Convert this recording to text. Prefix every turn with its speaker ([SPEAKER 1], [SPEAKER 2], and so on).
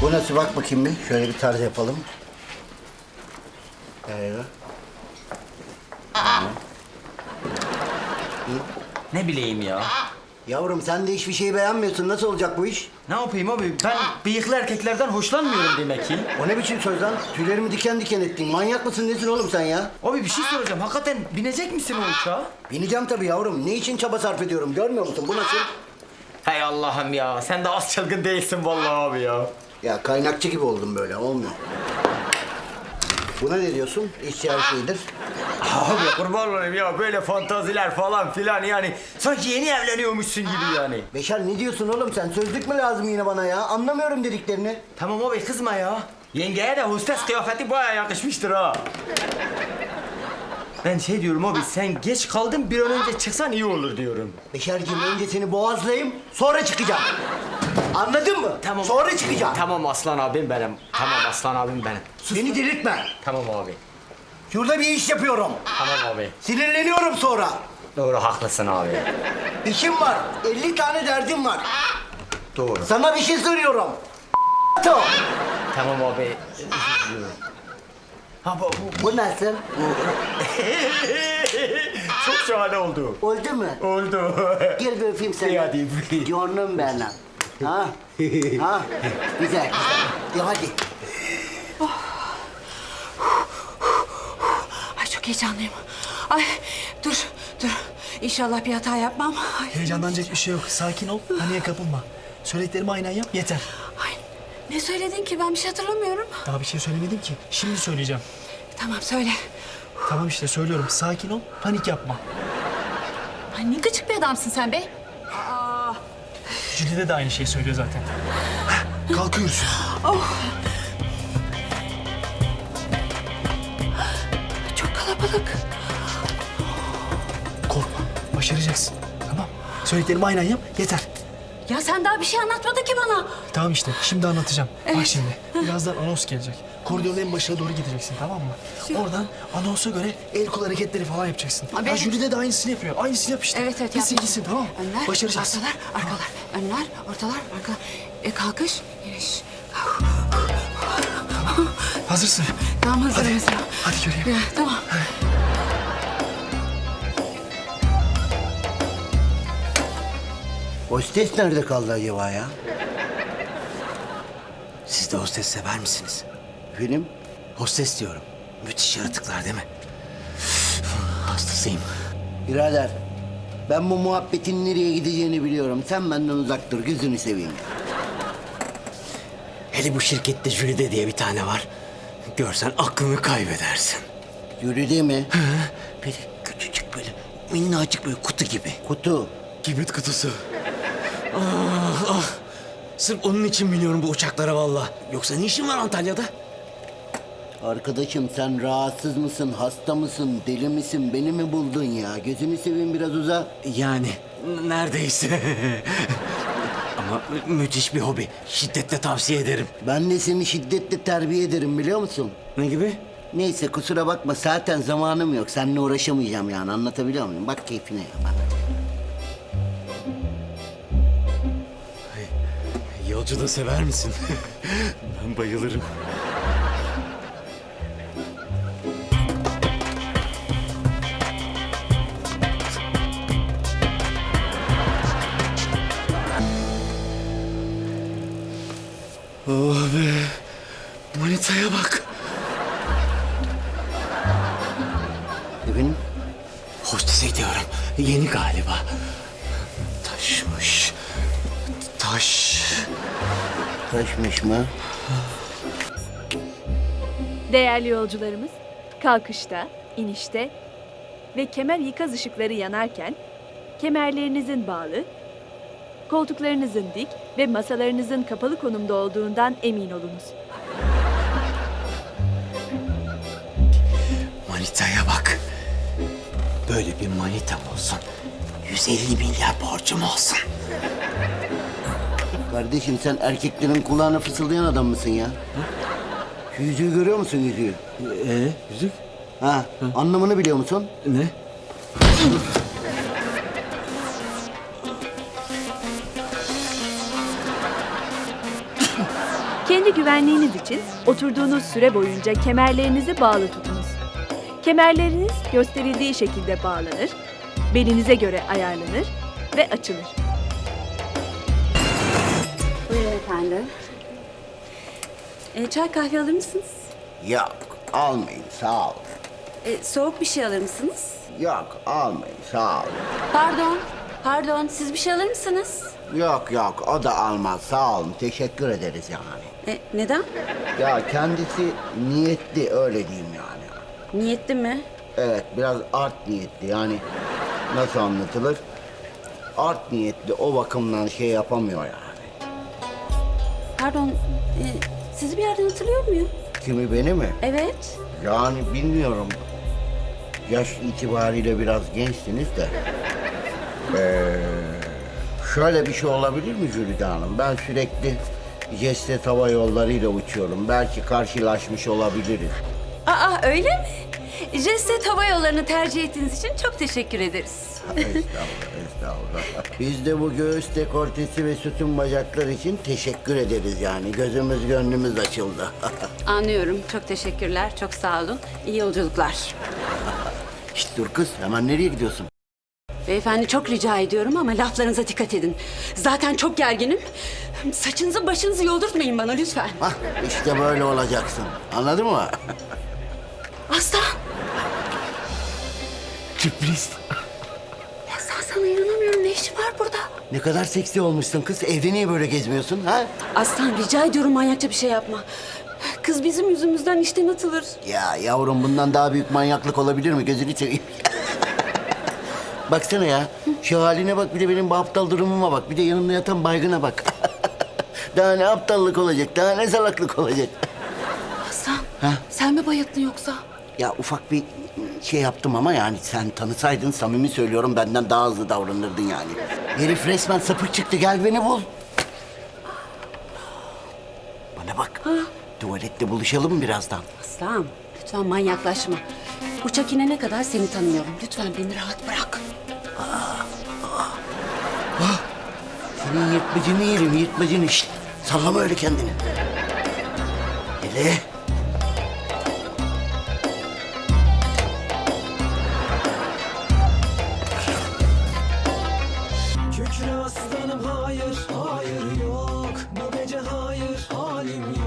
[SPEAKER 1] Bu nasıl, bak bakayım bir. Şöyle bir tarz yapalım.
[SPEAKER 2] Ne bileyim ya.
[SPEAKER 1] Yavrum sen de hiçbir şeyi beğenmiyorsun. Nasıl olacak bu iş?
[SPEAKER 2] Ne yapayım abi? Ben bıyıklı erkeklerden hoşlanmıyorum demek ki.
[SPEAKER 1] O ne biçim söz lan? Tüylerimi diken diken ettin. Manyak mısın nesin oğlum sen ya?
[SPEAKER 2] Abi bir şey soracağım. Hakikaten binecek misin o uçağa?
[SPEAKER 1] Bineceğim tabii yavrum. Ne için çaba sarf ediyorum görmüyor musun? Bu nasıl?
[SPEAKER 2] Hay Allah'ım ya. Sen de az çılgın değilsin vallahi abi ya.
[SPEAKER 1] Ya kaynakçı gibi oldum böyle. Olmuyor. Buna ne diyorsun? İhtiyar şeyidir.
[SPEAKER 2] Abi kurban olayım ya. Böyle fantaziler falan filan yani. Sanki yeni evleniyormuşsun gibi yani.
[SPEAKER 1] Beşer ne diyorsun oğlum sen? Sözlük mü lazım yine bana ya? Anlamıyorum dediklerini.
[SPEAKER 2] Tamam abi kızma ya. Yengeye de hostes kıyafeti bayağı yakışmıştır ha. Ben şey diyorum abi, sen geç kaldın, bir an önce çıksan iyi olur diyorum.
[SPEAKER 1] Beşerciğim önce seni boğazlayayım sonra çıkacağım. Anladın mı?
[SPEAKER 2] Tamam.
[SPEAKER 1] Sonra çıkacağım.
[SPEAKER 2] Tamam aslan abim benim. Tamam aslan abim benim.
[SPEAKER 1] Beni delirtme.
[SPEAKER 2] Tamam abi.
[SPEAKER 1] Şurada bir iş yapıyorum.
[SPEAKER 2] Tamam abi.
[SPEAKER 1] Sinirleniyorum sonra.
[SPEAKER 2] Doğru haklısın abi.
[SPEAKER 1] İşim var. 50 tane derdim var.
[SPEAKER 2] Doğru.
[SPEAKER 1] Sana bir şey soruyorum.
[SPEAKER 2] Tamam abi. Ha
[SPEAKER 1] Bu nasıl?
[SPEAKER 2] Çok şahane oldu.
[SPEAKER 1] Oldu mu?
[SPEAKER 2] Oldu.
[SPEAKER 1] Gel bir öpeyim seni.
[SPEAKER 2] İyi hadi.
[SPEAKER 1] Canım benim. Ha? Ha? Güzel, güzel. Hadi.
[SPEAKER 3] Ay çok heyecanlıyım. Ay dur. İnşallah bir hata yapmam. Ay,
[SPEAKER 4] Heyecanlanacak bir şey yok. Sakin ol. Paniğe kapılma. Söylediklerimi aynen yap yeter.
[SPEAKER 3] ay, ne söyledin ki? Ben bir şey hatırlamıyorum.
[SPEAKER 4] Daha bir şey söylemedim ki. Şimdi söyleyeceğim.
[SPEAKER 3] Tamam söyle.
[SPEAKER 4] Tamam işte söylüyorum. Sakin ol. Panik yapma.
[SPEAKER 3] Ay ne gıcık bir adamsın sen be.
[SPEAKER 4] Jülide de aynı şeyi söylüyor zaten. Kalkıyoruz.
[SPEAKER 3] Çok kalabalık.
[SPEAKER 4] Korkma. Başaracaksın. Tamam. Söylediklerimi aynen yap yeter.
[SPEAKER 3] Ya sen daha bir şey anlatmadın ki bana.
[SPEAKER 4] Tamam işte. Şimdi anlatacağım. Bak
[SPEAKER 3] Evet.
[SPEAKER 4] şimdi. Birazdan anons gelecek. Koridorun en başına doğru gideceksin tamam mı? Oradan anonsa göre el kol hareketleri falan yapacaksın.
[SPEAKER 3] Abi,
[SPEAKER 4] Ha,
[SPEAKER 3] evet.
[SPEAKER 4] Jülide de aynısını yapıyor. Aynısını yap işte.
[SPEAKER 3] Evet
[SPEAKER 4] Gitsin
[SPEAKER 3] yap.
[SPEAKER 4] gitsin tamam mı?
[SPEAKER 3] Önler,
[SPEAKER 4] Başaracağız.
[SPEAKER 3] arkalar. Önler, ortalar, arkalar. Kalkış, iniş.
[SPEAKER 4] Hazırsın.
[SPEAKER 3] Tamam hazırım
[SPEAKER 4] Hadi.
[SPEAKER 3] mesela.
[SPEAKER 4] Hadi göreyim.
[SPEAKER 3] Tamam.
[SPEAKER 1] Hostes nerede kaldı acaba ya?
[SPEAKER 5] Siz de hostes sever misiniz?
[SPEAKER 1] Film?
[SPEAKER 5] Hostes diyorum. Müthiş yaratıklar değil mi? Hastasıyım.
[SPEAKER 1] Birader, ben bu muhabbetin nereye gideceğini biliyorum. Sen benden uzak dur, gözünü seveyim.
[SPEAKER 5] Hele bu şirkette Jülide diye bir tane var. Görsen aklını kaybedersin.
[SPEAKER 1] Yürüdü mi?
[SPEAKER 5] Böyle küçücük böyle minnacık böyle kutu gibi.
[SPEAKER 1] Kutu.
[SPEAKER 5] Kibrit kutusu. Ah. Sırf onun için biniyorum bu uçaklara vallahi. Yoksa ne işin var Antalya'da?
[SPEAKER 1] Arkadaşım sen rahatsız mısın, hasta mısın, deli misin? Beni mi buldun ya? Gözünü seveyim biraz uza.
[SPEAKER 5] Yani neredeyse. Ama müthiş bir hobi. Şiddetle tavsiye ederim.
[SPEAKER 1] Ben de seni şiddetle terbiye ederim biliyor musun?
[SPEAKER 5] Ne gibi?
[SPEAKER 1] Neyse kusura bakma zaten zamanım yok. Seninle uğraşamayacağım yani anlatabiliyor muyum? Bak keyfine ya bak.
[SPEAKER 5] Yolcu da sever misin? Ben bayılırım. Oh be. Manitaya bak.
[SPEAKER 1] Efendim?
[SPEAKER 5] Hostese diyorum. Yeni galiba. Taşmış. Taş.
[SPEAKER 1] Taşmış mı?
[SPEAKER 6] Değerli yolcularımız, kalkışta, inişte ve kemer ikaz ışıkları yanarken kemerlerinizin bağlı, koltuklarınızın dik ve masalarınızın kapalı konumda olduğundan emin olunuz.
[SPEAKER 5] Manitaya bak. Böyle bir manitam olsun. 150 milyar borcum olsun.
[SPEAKER 1] Kardeşim sen erkeklerin kulağına fısıldayan adam mısın ya? Şu yüzüğü görüyor musun yüzüğü?
[SPEAKER 5] Yüzük?
[SPEAKER 1] Ha, anlamını biliyor musun?
[SPEAKER 5] Ne?
[SPEAKER 6] Kendi güvenliğiniz için oturduğunuz süre boyunca kemerlerinizi bağlı tutunuz. Kemerleriniz gösterildiği şekilde bağlanır, belinize göre ayarlanır ve açılır.
[SPEAKER 3] Buyurun efendim. Çay kahve alır mısınız?
[SPEAKER 1] Yok almayın sağ ol.
[SPEAKER 3] Soğuk bir şey alır mısınız?
[SPEAKER 1] Yok almayın sağ ol.
[SPEAKER 3] Pardon, siz bir şey alır mısınız?
[SPEAKER 1] Yok o da almaz sağ olun teşekkür ederiz yani.
[SPEAKER 3] Neden?
[SPEAKER 1] Ya kendisi niyetli öyle diyeyim yani.
[SPEAKER 3] Niyetli mi?
[SPEAKER 1] Evet biraz art niyetli yani nasıl anlatılır? Art niyetli o bakımdan şey yapamıyor yani.
[SPEAKER 3] Pardon, sizi bir yerden hatırlıyor muyum?
[SPEAKER 1] Kimi beni mi?
[SPEAKER 3] Evet.
[SPEAKER 1] Yani bilmiyorum. Yaş itibariyle biraz gençsiniz de. Şöyle bir şey olabilir mi Jülide Hanım? Ben sürekli Jet Hava Yolları'yla uçuyorum. Belki karşılaşmış olabiliriz.
[SPEAKER 3] Aa öyle mi? Jet Hava Yolları'nı tercih ettiğiniz için çok teşekkür ederiz.
[SPEAKER 1] Estağfurullah. Biz de bu göğüs dekoltesi ve sütun bacaklar için teşekkür ederiz yani. Gözümüz gönlümüz açıldı.
[SPEAKER 3] Anlıyorum. Çok teşekkürler. Çok sağ olun. İyi yolculuklar.
[SPEAKER 1] Şişt dur kız hemen nereye gidiyorsun?
[SPEAKER 3] Beyefendi çok rica ediyorum ama laflarınıza dikkat edin. Zaten çok gerginim. Saçınızı başınızı yoldurtmayın bana lütfen.
[SPEAKER 1] Hah işte böyle olacaksın. Anladın mı?
[SPEAKER 3] Aslan!
[SPEAKER 4] Sürpriz.
[SPEAKER 3] Aslan sana inanamıyorum. Ne işin var burada?
[SPEAKER 1] Ne kadar seksi olmuşsun kız. Evde niye böyle gezmiyorsun ha?
[SPEAKER 3] Aslan rica ediyorum manyakça bir şey yapma. Kız bizim yüzümüzden işten atılır.
[SPEAKER 1] Ya yavrum bundan daha büyük manyaklık olabilir mi? Gözünü seveyim. Baksana ya. Şu haline bak bir de benim bu aptal durumuma bak. Bir de yanımda yatan baygına bak. Daha ne aptallık olacak? Daha ne salaklık olacak?
[SPEAKER 3] Aslan
[SPEAKER 1] Ha?
[SPEAKER 3] sen mi bayıldın yoksa?
[SPEAKER 1] Ya ufak bir şey yaptım ama yani sen tanısaydın samimi söylüyorum benden daha hızlı davranırdın yani. Herif resmen sapık çıktı gel beni bul. Bana bak. Tuvalette buluşalım mı birazdan?
[SPEAKER 3] Aslan lütfen manyaklaşma. Uçak inene kadar seni tanıyorum. Lütfen beni rahat bırak.
[SPEAKER 1] Senin yırtmacını yerim yırtmacını. Şşt, sallama öyle kendini. Hele.
[SPEAKER 7] Kükre aslanım hayır, hayır yok. Bu gece hayır, halim yok.